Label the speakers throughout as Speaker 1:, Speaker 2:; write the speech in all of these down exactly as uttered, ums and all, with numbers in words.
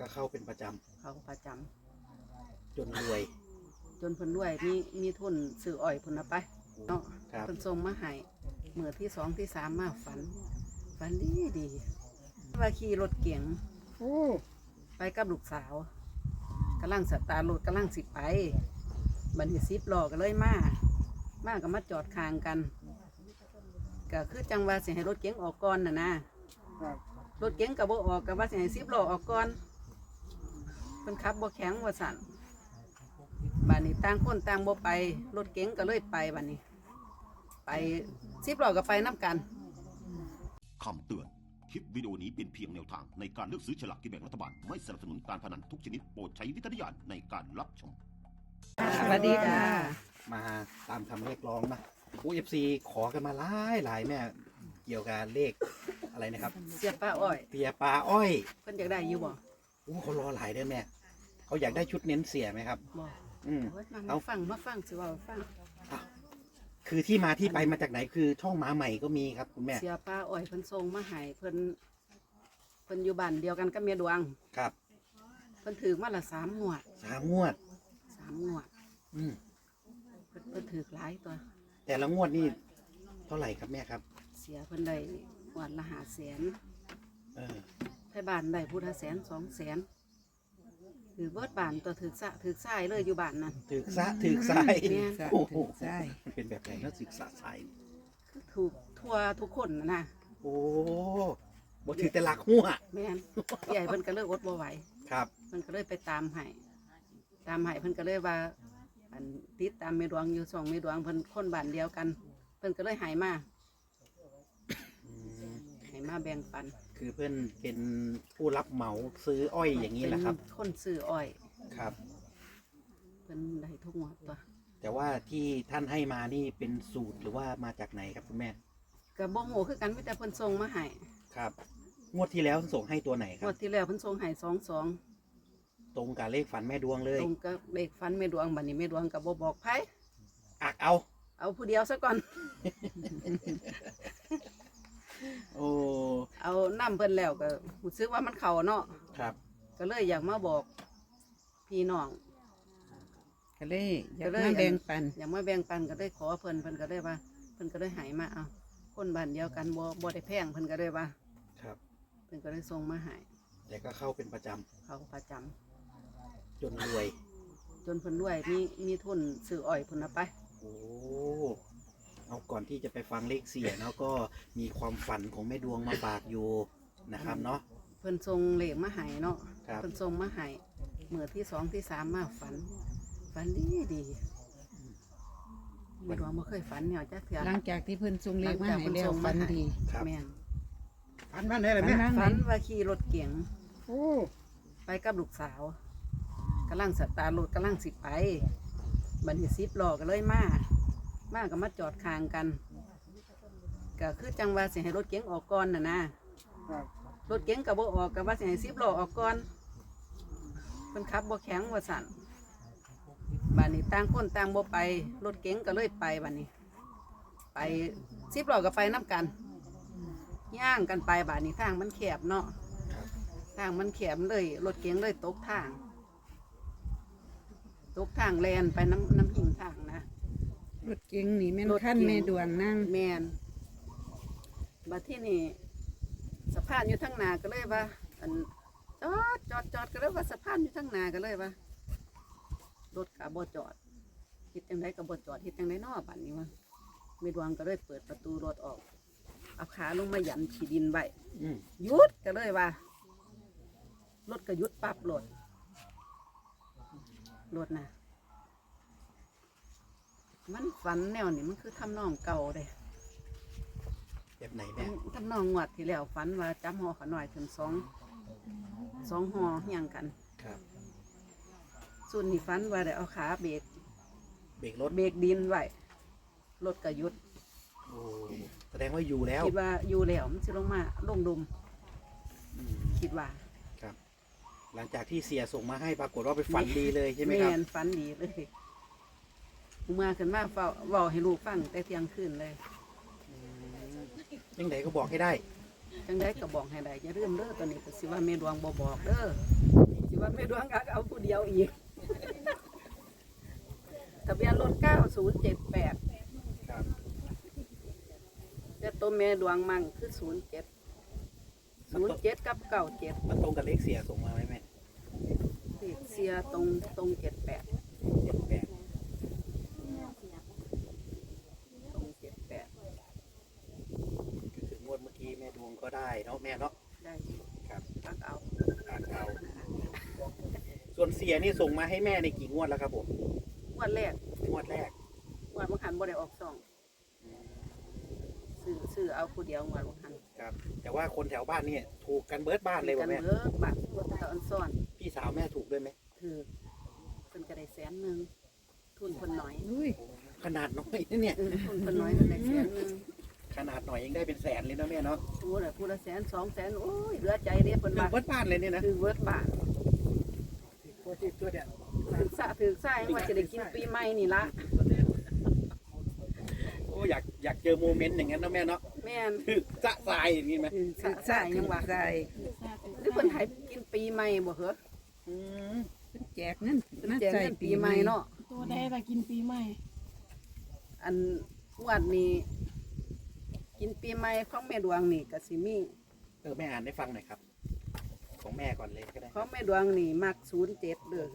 Speaker 1: ก็เข้าเป็นประจำ
Speaker 2: เขาประจำ
Speaker 1: จนรวย
Speaker 2: จนเพิ่นรวยมีมีทุนซื้ออ้อยเพิ่นเอาไปเนาะ
Speaker 1: ครับ
Speaker 2: เพิ่นส่งมาให้เมื่อที่สองที่สามมาฝันฝันดีดีว่าขี่รถเก๋งไปกับลูกสาวกำลังสตาร์ทรถกำลังสิไปบัดนี้สิบล้อก็เลยมามาก็มาจอดข้างกันก็คือจังว่าสิให้รถเก๋งออกก่อนน่ะนะรถเก๋งก็บ่ออกก็ว่าสิให้สิบล้อออกก่อนเพิ่นขับบ่แข็งว่าสั่นบัดนี้ต่างคนต่างบ่ไปรถเก๋งก็เลยไปบัดนี้ไปสิบล้อก็ไปน้ำกัน
Speaker 3: คำเตือน คลิปวิดีโอนี้เป็นเพียงแนวทางในการเลือกซื้อฉลากกินแบ่งรัฐบาล ไม่สนับสนุนการพนันทุกชนิดโปรดใช้วิจารณญาณในการรับชม
Speaker 2: สวัสดีค่ะ
Speaker 1: มาตามคำเรียกร้องนะโอ้เอฟซีขอกันมาหลายหลายแม่เกี่ยวกับเลขอะไรนะครับ
Speaker 2: เสียป้าอ้อย
Speaker 1: เตียปลาอ้อย
Speaker 2: เพิ่นอยากได้อยู่บ่
Speaker 1: โอ้เขารอหลายเด้อแม่เขาอยากได้ชุดเน้นเสียไหมครับ
Speaker 2: บ่
Speaker 1: อืม
Speaker 2: โอ้ยมา
Speaker 1: เอา
Speaker 2: มาฟังมาฟังสิว่าฟัง
Speaker 1: อ้าวคือที่มาที่ไปมาจากไหนคือช่องม้าใหม่ก็มีครับคุณแม่
Speaker 2: เสียป้าอ้อยเพิ่นส่งมาให้เพิ่นเพิ่นอยู่บ้านเดียวกันกับเมียดวง
Speaker 1: ครับ
Speaker 2: เพิ่นถือมาละสามงวด
Speaker 1: สามงวด
Speaker 2: สามงวด
Speaker 1: อืม
Speaker 2: เพิ่นเพิ่นถือหลายตัว
Speaker 1: แต่ละงวดนี่เท่าไหร่ครับแม่ครับ
Speaker 2: เสียเพิ่นได้งวดละห้าแสน
Speaker 1: เออ
Speaker 2: ไทบ้านได้พุทธแสนสองแสนถือเบิดบ้านตัวถือสะถือทรายเลยอยู่บ้านนั่น
Speaker 1: ถือซะถือสาย
Speaker 2: แม่น
Speaker 1: โอ้โหมันเป็นแบบไหนแล้วศึกษาสาย
Speaker 2: คือถูกทั่วทุกคนนะนะ
Speaker 1: โอ้บ่ถือแต่หลักหัว
Speaker 2: แม่นใหญ่เพิ่นก็เลยอดบ่ไหว
Speaker 1: ครับ
Speaker 2: เพิ่นก็เลยไปตามให้ตามให้เพิ่นก็เลยว่าอันติดตามเมดวงอยู่สองเมดวงเพิ่นคนบ้านเดียวกัน เพิ่นก็เลยใหายมา
Speaker 1: อืม
Speaker 2: ใหายมาแบ่งปัน
Speaker 1: คือเพื่อนเป็นผู้รับเหมาซื้ออ้อยอย่างนี้แหละครับ
Speaker 2: เป็นคนซื้ออ้อย
Speaker 1: ครับ
Speaker 2: เพิ่นได้ทุกงวดตัว
Speaker 1: แต่ว่าที่ท่านให้มานี่เป็นสูตรหรือว่ามาจากไหนครับคุณแม่
Speaker 2: ก็บ่ฮู้คือกันมีแต่เพิ่นส่งมาให้
Speaker 1: ครับ งวดที่แล้วส่งให้ตัวไหนค
Speaker 2: ง
Speaker 1: รั
Speaker 2: ว
Speaker 1: บ
Speaker 2: ดที่แล้วเพิ่นส่งให้สองสอง
Speaker 1: ตรงกับเลขฝันแม่ดวงเลย
Speaker 2: ตรงกับเลขฟันเมดวงบัดนี้เมดวงก็บ่บอกไผ
Speaker 1: อักเอา
Speaker 2: เอาผู้เดียวซะก่อน
Speaker 1: โอ้
Speaker 2: เอานํเพิ่นแล้วก็รู้สึกว่ามันเข้าเนาะ
Speaker 1: ครับ
Speaker 2: ก็เลยอยากมาบอกพี่น้อง
Speaker 4: ก็เลยอยาก
Speaker 2: ก็เลย
Speaker 4: มาแบ่งปัน
Speaker 2: อยากมาแบ่งปันก็ได้ขอเพิ่นเพิ่นก็ได้ว่าเพิ่นก็ได้ใหายมาเอาคนบ้านเดียวกันบ่บ่ได้แพงเพิ่นก็ได้ว่า
Speaker 1: ครับ
Speaker 2: เพิ่นก็ได้ส่งมาให้
Speaker 1: แต่ก็เข้าเป็นประจำ
Speaker 2: เขาประจำ
Speaker 1: จนรวย
Speaker 2: จนเพิ่นรวยมีมีทุนซื้ออ้อยเพิ่นเอาไป
Speaker 1: โอ้เอาก่อนที่จะไปฟังเลขเสียเนาะก็มีความฝันของแม่ดวงมาฝากอยู่นะครับเนาะ
Speaker 2: เพิ่นส่งเลขมาให้เนาะ
Speaker 1: ครับ
Speaker 2: เพิ่นส่งมาให้เมื่อที่สองที่สามมาฝันฝันดีดีไม่รู้ว่าบ่เคยฝันเนี่ยจักเทื่อ
Speaker 4: หลังจากที่เพิ่นส่งเลขมา
Speaker 2: หลังจาก
Speaker 4: ให้
Speaker 2: เพิ่น
Speaker 4: แล้ว
Speaker 2: ส่งมา
Speaker 4: ฝัน
Speaker 2: ให้
Speaker 4: ดี
Speaker 1: ครับ
Speaker 2: แม่น
Speaker 1: ฝันว่าไหนล่ะ
Speaker 4: ฝัน
Speaker 1: แม่
Speaker 4: ว่า
Speaker 2: ฝันว่าขี่รถเก๋ง
Speaker 1: โอ้
Speaker 2: ไปกับลูกสาวกำลังสตาร์ทรถกำลังสิไปบัดนี้สิบล้อก็เลยมามาก็มาจอดข้างกันก็คือจังว่าสิให้รถเก๋งออกก่อนน่ะนะ
Speaker 1: ครับ
Speaker 2: รถเก๋งก็บ่ออกก็ว่าสิให้สิบล้อออกก่อนเพิ่นขับบ่แข็งว่าสั่นบัดนี้ต่างคนต่างบ่ไปรถเก๋งก็เลยไปบัดนี้ ไปสิบล้อก็ไปน้ำกันย่างกันไปบัดนี้ทางมันแคบเนาะ
Speaker 1: ครับ
Speaker 2: ทางมันแคบเลยรถเก๋งเลยตกทาง ตกทางแลนไปน้ำน้ำหิงทางนะ
Speaker 4: รถเก๋งนี่แม่น
Speaker 2: รถเก๋ง
Speaker 4: ขั้นแม่ดวงนั่ง
Speaker 2: แมนบัดที่นี่สะพานอยู่ทั้งหนาก็เลยว่าอันจอดจอดจอดก็เลยว่าสะพานอยู่ทั้งหนาก็เลยว่ารถกับบจอดคิดจังไดกับบจอดคิดจังไดนอบัดนี้วะมีดวงก็เลยเปิดประตูรถออกเอาขาลงมาหยันขีดินไว้
Speaker 1: อืม
Speaker 2: หยุดก็เลยว่ารถก็หยุดปั๊บรถรถนะมันฝันแนวนี่มันคือทำนองเก่าเลย
Speaker 1: แบบไหนแม่
Speaker 2: ทำนองงวดที่แล้วฝันว่าจับหอขาหน่อยถึงสองสองหอเฮียงกัน
Speaker 1: ครับ
Speaker 2: ส่วนนี้ฝันว่าได้เอาขาเบรก
Speaker 1: เบรกรถ
Speaker 2: เบรกดินไว้รถก็หยุด
Speaker 1: โอ้แสดงว่าอยู่แล้ว
Speaker 2: คิดว่าอยู่แล้วมันสิลงมาลงดุม
Speaker 1: อืม
Speaker 2: คิดว่า
Speaker 1: ครับ หลังจากที่เสียส่งมาให้ปรากฏว่าไปฝันดีเลยใช่ไหมครับ
Speaker 2: แนฝันดีเลยเมื่อขึ้นมาเฝ้าเว้าให้ลูกฟังแต่เที่ยงคืนเลย
Speaker 1: ยังไงก็บอกให้ได้
Speaker 2: จังได้ก็บอกให้ได้อย่าลืมเด้อตอนนี้ก็สิว่าเมดวงบ่บอกเด้อดวงอักเอาผู้เดียวอีกทะเบียนรถเก้าศูนย์เจ็ดแปด
Speaker 1: ครับ
Speaker 2: แต่ตัวแม่ดวงมั่งคือศูนย์เจ็ดศูนย์เจ็ดกับเก้าเจ็ด
Speaker 1: มันตรงกับเลขเสียส่งมาไหมแม่
Speaker 2: เสียตรงตรงเจ็ดแปด
Speaker 1: เจ็ดแปด
Speaker 2: ตรงเจ็ดแปด
Speaker 1: ก็คืองวดเมื่อกี้แม่ดวงก็ได้เนาะแม่เนาะ
Speaker 2: ได้
Speaker 1: ครับ
Speaker 2: อักเอา
Speaker 1: อ่านเอาส่วนเสียนี่ส่งมาให้แม่ในกี่งวดแล้วครับผม
Speaker 2: งวดแรก
Speaker 1: งวดแรก
Speaker 2: งวดบางหันบ่ได้ออกสองซื้อซื้อเอาผู้เดียวงวดบางหัน
Speaker 1: ครับ แต่ว่าคนแถวบ้านนี่ถูกกันเบิร์ดบ้านเลย
Speaker 2: กั
Speaker 1: ว่ะ
Speaker 2: น
Speaker 1: แม่
Speaker 2: เบิกบัตรตะอันซ่อน
Speaker 1: พี่สาวแม่ถูกด้วยไหม
Speaker 2: คือเพิ่นก็ได้แสนหนึ่งทุนเพิ่นน้อย
Speaker 4: อุ้ย
Speaker 1: ขนาดน้อยนะเนี่ย
Speaker 2: เออทุนเพิ่นน้อยเพิ่นได้แสนหนึ่ง
Speaker 1: ขนาดหน่อยยังได้เป็นแสนเลยนะแม่เนาะ
Speaker 2: โอ้ยผู้ละแสนสองแสนโอ้ยเหลือใจเด้เพิ่น
Speaker 1: ถูก
Speaker 2: ว่า
Speaker 1: เบิร์ดบ้านเลยเนี่ยนะ
Speaker 2: คือเบิดบาท
Speaker 1: ตัวที่ตัวเนี่ย
Speaker 2: ถึกสะถึกสายว่าจะได้กินปีใหม่นี่ละ
Speaker 1: โอ้อยากอยากเจอโมเมนต์อย่างนั้นนะแม่เนาะ
Speaker 2: แม่น
Speaker 1: ถึกจะทรายอย่างนี้ไหม
Speaker 2: ถึก
Speaker 4: สึ
Speaker 2: สะ
Speaker 4: กษา
Speaker 2: สาย
Speaker 4: ยั
Speaker 2: ยัง ง
Speaker 4: ว่า
Speaker 2: ว่า
Speaker 4: ใส่
Speaker 2: หรือเพิ่นให้กินปีใหม่บ่เหรอ
Speaker 1: อืม
Speaker 4: แจกเงิน
Speaker 2: เพิ่นแจกเงินปีใหม่เนาะ
Speaker 5: ตัวได้ละกินปีใหม่
Speaker 2: อันงวดนี้ กินปีใหม่ของแม่ดวงนี่ก็สิมี
Speaker 1: เออแม่อ่านให้ฟังหน่อยครับ ของแม่ก่อนเลยก็ได้
Speaker 2: ของแม่ดวงนี่มักศูนย์เจ็ดเด้อ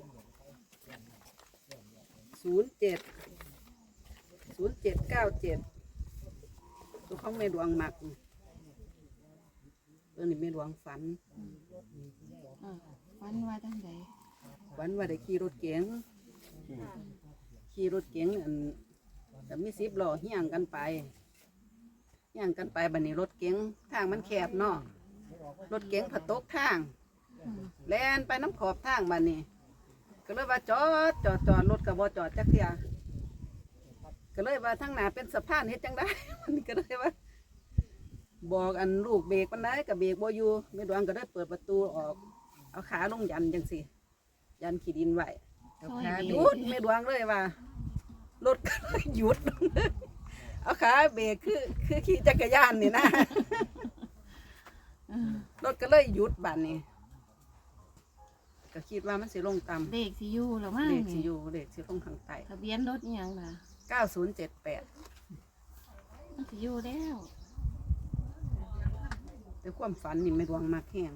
Speaker 2: ศูนย์เจ็ดศูนย์เจ็ดเก้าเจ็ดตัวของแม่ดวงมักตัวนี้แม่ดวงฝัน
Speaker 5: อ่าฟันว่าจังได
Speaker 2: ฝันว่าได้ขี่รถเก๋ง
Speaker 1: อืม
Speaker 2: ขี่รถเก๋งอันแต่มีสิบล้อเฮี้ยงกันไปเฮี้ยงกันไปบัดนี้รถเก๋งทางมันแคบเนาะรถเก๋งผัดตกทางแล่นไปน้ำขอบทางบัดนี้ ก็เลยว่าจอดจอดจอดรถกับบ่จอดจักเทียก็เลยว่าทั้งหน้าเป็นสะพานเฮ็ดจังได้ มันก็เลยว่า บอกอันลูกเบรกมันได้กับเบรกบ่อยู่แม่ดวงก็ได้เปิดประตูออก เอาขาลงยันจังสิยันขี้ดินไว้
Speaker 4: เอาขา
Speaker 2: ห
Speaker 4: เบ
Speaker 2: ยุดแม่ดวงเลยว่ารถก็เลยหยุด เอาขาเบรกคือคือขี่จักรยานนี่นะ รถก็เลยหยุดบัดนี้ ก็คิดว่ามันสิลงต่ำ
Speaker 5: เด็กสิอยู่หรือมั้ง
Speaker 2: เด็กสิ
Speaker 5: นี่
Speaker 2: อยู่เด็กสิลงทางใต้
Speaker 5: ทะเบียนรถอิหยังล่ะ
Speaker 2: เก้าศูนย์เจ็ดแปด
Speaker 5: มันสิอยู่แล้ว
Speaker 2: แต่ความฝันนี่ไม่ดวงมากแห้ง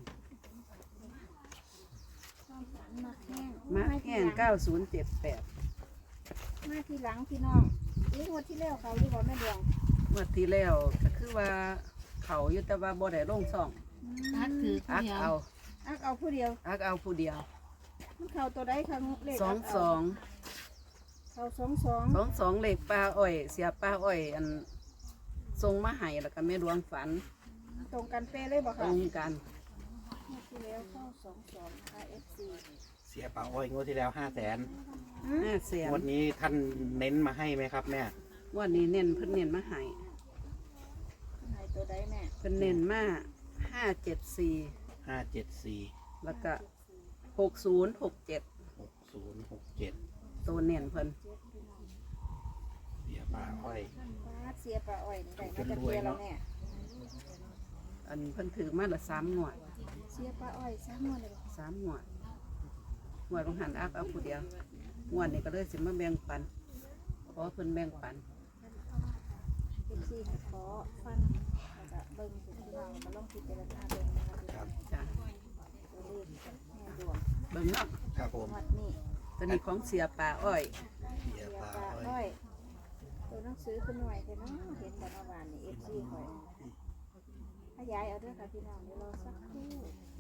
Speaker 6: มาแห้ง
Speaker 2: มากแห้งเก้าศูนย์เจ็ดแปด
Speaker 6: มาทีหลังพี่น้องนี่งวดที่แล้วเขาที่บอกแม่ดวง
Speaker 2: เมื่อที่แล้วก็คือว่าเขาอยู่แต่ว่าบ่ได้ลงซ่อง
Speaker 5: ทักถือผู้
Speaker 2: อัก
Speaker 5: เดียว
Speaker 2: เอา
Speaker 6: อักเอาผู้เดียว
Speaker 2: อักเอาผู้เดียว
Speaker 6: มันเขาตัวใดครั้งเลข
Speaker 2: สองสอง
Speaker 6: เขาสองสอง
Speaker 2: สองสองเลขปลาอ้อย เสียปลาอ้อย อันทรงมาให้แล้วก็แม่ดวงฝัน
Speaker 6: ตรงกันเป๊ะเลยบอก
Speaker 2: ตร
Speaker 6: ค่ะ
Speaker 2: งกัน
Speaker 6: งวดที่แล้วเข้าสองสองนะคะ เอฟ ซี
Speaker 1: เสียป่าอ้อยงวดที่แล้วห้าแสน
Speaker 2: ห้าแสน
Speaker 1: งวดนี้ท่านเน้นมาให้ไหมครับแม่
Speaker 2: งวันนี้เน้นเพิ่นเน้นมาให้
Speaker 6: ไหนตัวใดแม่
Speaker 2: เพิ่นเน้นมาห้าเจ็ดสี่
Speaker 1: ห้าเจ็ดสี่
Speaker 2: แล้วก็หกศูนย์หกเจ็ด
Speaker 1: หกศูนย์หกเจ็ด
Speaker 2: ตัวเน้นเพิ่น
Speaker 1: เสียป่าอ้อย
Speaker 6: ฟ้าเสียปลาอ้อยนี่ได้มาจากเบียร์แล้วแม่
Speaker 2: อันเพิ่นถือมาละสามหน่วย
Speaker 6: เสียปลาอ้อยสามงวดเลยบอก
Speaker 2: สามหน่วยหน่วยของหันอักเอาผู้เดียวงวดนี้ก็เลยสิมาแบ่งปันขอเพิ่นแบ่งปัน
Speaker 6: เอฟซีขอฟันแล้วก็เบิ้งถึงพี่น้องมาลองพิจารณาเบิ้งนะคะ
Speaker 1: ครับ
Speaker 2: จ้ะ
Speaker 6: ตัวเลขแม่ดวง
Speaker 2: เบิ่งเนาะ
Speaker 1: ครับผม
Speaker 6: งวดนี้
Speaker 2: ตัวนี้ของเสียป่าอ้อย
Speaker 1: เสีย
Speaker 6: เสีย
Speaker 1: ป่า
Speaker 6: ปลา
Speaker 1: อ้อย
Speaker 6: อ้อยตัวหนังสือขึ้นหน่อยแต่เนาะเห็นแต่เมื่อวานนี่เอฟซีคอยขยายเอาด้วยค่ะพี่น้องเดี๋ยวรอสักครู่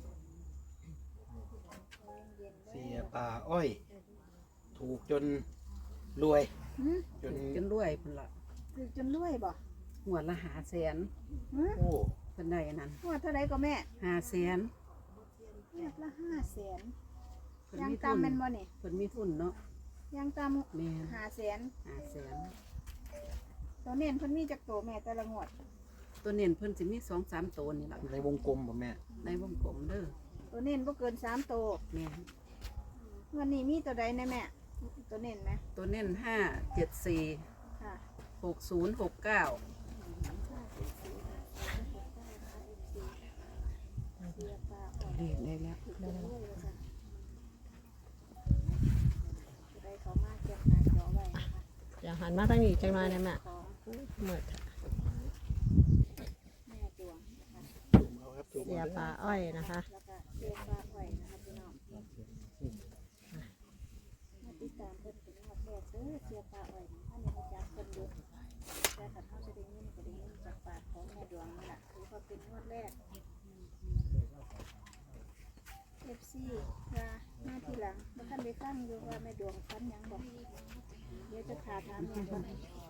Speaker 6: เย็นๆ
Speaker 1: เสี
Speaker 6: เด้
Speaker 1: ย
Speaker 6: อ
Speaker 1: ป่าอ้อย ถูกจนรวย
Speaker 6: หืม
Speaker 1: จน
Speaker 2: จนรวยเพิ่นละ
Speaker 6: ถือจนรวยบ่
Speaker 2: หัวดละหาแสน
Speaker 6: หืม
Speaker 1: โอ้
Speaker 2: เพิ่นได้อันนั้น
Speaker 6: งวดเท่าไรก็แม่
Speaker 2: หาแสน
Speaker 6: งวดละห้าแสน
Speaker 2: เพิ่น
Speaker 6: ยัง
Speaker 2: มีทุ
Speaker 6: ตาม
Speaker 2: น
Speaker 6: แม่นบ่นี่
Speaker 2: เพิ่นมีทุนเนาะ
Speaker 6: ยังตาม
Speaker 2: แม่
Speaker 6: ห้าแสน
Speaker 2: หาแสน
Speaker 6: ตัวเน้นเพิ่นมีจักโตแม่แต่ละงวด
Speaker 2: ตัวเน้นเพิ่นสิมีสองสามตัวนี่ล่ะ
Speaker 1: ในวงกลมป่ะแม่
Speaker 2: ในวงกลมเด้อ
Speaker 6: ตัวเน้นบ่เกินสามโต
Speaker 2: แม่
Speaker 6: งวันนี้มีตัวใดแน่แม่ตัวเน้นไหม
Speaker 2: ตัวเน้นห้าเจ็ดสี่
Speaker 6: ค่ะ
Speaker 2: หกศูนย์หกเก้า
Speaker 6: เสียปลาอ่อน
Speaker 4: เรียกได้แล้ว
Speaker 6: ถือจนรวยว่าซั่น
Speaker 7: หันมาทางนี้จังหน่อยได้แม่
Speaker 6: ของ
Speaker 7: หมด
Speaker 6: แม่ดวงนะคะ
Speaker 1: ซูมเอาครับซูม
Speaker 7: เสีย
Speaker 1: เอา
Speaker 7: ปลาอ้อยนะคะ
Speaker 6: แล้วก็เรียกว่าอ้อยนะคะพี่น้องมาติดตามเพิ่นเป็นงวดแรกเด้อเสียปลาอ้อยนี่อันนี้มาจากเพิ่นอยู่แต่ขันเขาจะได้ยินก็ได้ยินจากปากของแม่ดวงนี่แหละถือว่าเป็นงวดแรก เอฟซีว่ามาทีหลังเมื่อท่านได้ฟังอยู่ว่าแม่ดวงฟันหยังบอกเดี๋ยวจะขาถามแม่ก่อน